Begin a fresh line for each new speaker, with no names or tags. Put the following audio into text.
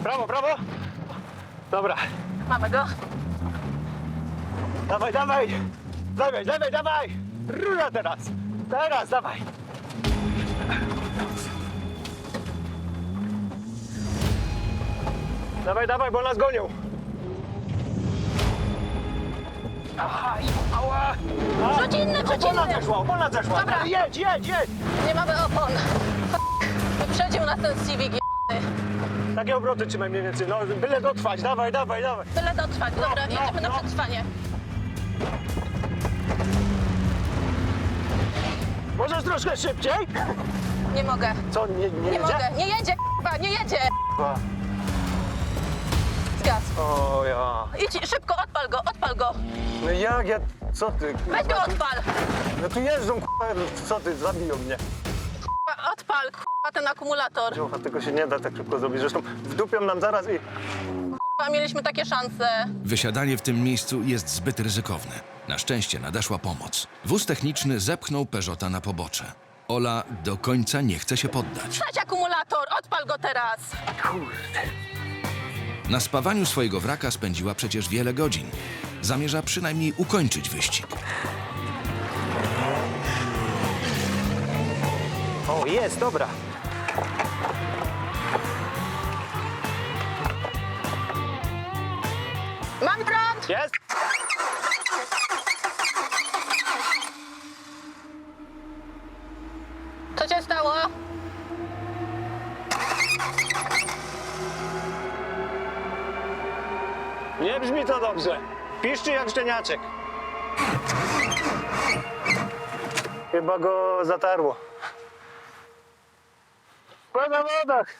Prawo, prawo. Dobra.
Mamy go.
Dawaj, dawaj. Dawaj, dawaj, dawaj. Rura teraz. Teraz, dawaj. Dawaj, dawaj, bo nas gonią. Aha, ała.
Rzuć inny, rzuć
Opona
inny.
zeszła, opona zeszła.
Dobra.
Jedź, jedź, jedź.
Nie mamy opon. Wyprzedził nas ten Civic.
Takie obroty trzymaj mniej więcej. No, byle dotrwać. Dawaj, dawaj, dawaj.
Tyle dotrwać. Dobra,
no,
jedziemy na
no.
przetrwanie.
Możesz troszkę szybciej?
Nie mogę.
Co, nie
Nie
jedzie?
mogę. Nie jedzie, k***a, nie jedzie.
Chyba.
Zgas.
O ja.
Idź, szybko, odpal go.
No jak ja... Co ty?
Weź go odpal.
No tu jeżdżą, co ty? Zabiją mnie.
K***a, odpal, kurwa, ten akumulator.
Dziocha, tego się nie da tak szybko zrobić. Zresztą wdupią nam zaraz i...
Kurwa, mieliśmy takie szanse.
Wysiadanie w tym miejscu jest zbyt ryzykowne. Na szczęście nadeszła pomoc. Wóz techniczny zepchnął Peugeota na pobocze. Ola do końca nie chce się poddać.
Stać akumulator, odpal go teraz.
Kurde.
Na spawaniu swojego wraka spędziła przecież wiele godzin. Zamierza przynajmniej ukończyć wyścig.
O, jest, dobra.
Mam prąd.
Jest?
Co się stało?
Nie brzmi to dobrze. Piszczy jak szczeniaczek. Chyba go zatarło. Po zawodach.